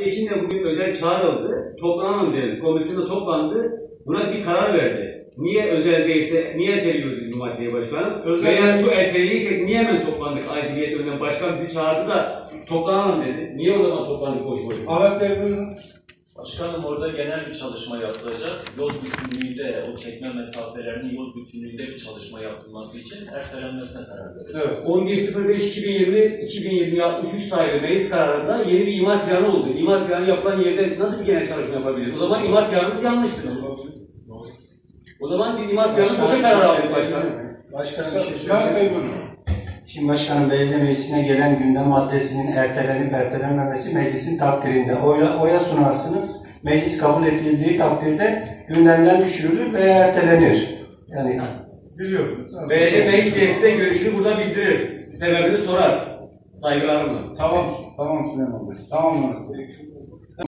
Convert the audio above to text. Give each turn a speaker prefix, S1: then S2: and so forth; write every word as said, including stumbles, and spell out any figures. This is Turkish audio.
S1: için de bugün özel çağrıldı. Toplanalım dedi. Komisyonda toplandı. Buna bir karar verdi. Niye özel değilse, niye erteliyoruz biz bu maddeyi başkanım?
S2: Özel
S1: Veya bu erteleyiysek niye hemen toplandık aciliyet önünden? Başkan bizi çağırdı da toplanalım dedi. Niye o zaman toplandık boş boş?
S2: Ahmet Bey buyurun.
S3: Başkanım orada genel bir çalışma yapılacak. Yol bütünlüğünde, o çekme mesafelerinin yol bütünlüğünde bir çalışma yapılması için ertelenmesine karar verildi.
S2: Evet.
S1: on bir sıfır beş iki bin yirmi iki bin yirmi altmış üç sayılı meclis kararında yeni bir imar planı oldu. İmar planı yapılan yerde nasıl bir genel çalışma yapabiliriz? O zaman imar planımız yanlıştır. O zaman biz imar planı boşa karar aldık başkanım.
S4: Başkanım bir şey
S2: Ahmet Bey
S4: söyleyeyim.
S2: buyurun.
S4: Şimdi başkanım belediye meclisine gelen gündem maddesinin ertelenip ertelenmemesi meclisin takdirinde. Oya, oya sunarsınız. Meclis kabul edildiği takdirde gündemden düşürülür veya ertelenir. Yani
S2: Biliyorum.
S1: Belediye meclis üyesi de görüşünü burada bildirir. Sebebini sorar. Saygılarımla.
S2: Tamam, tamam Süleyman Bey. Tamam Ahmet Bey.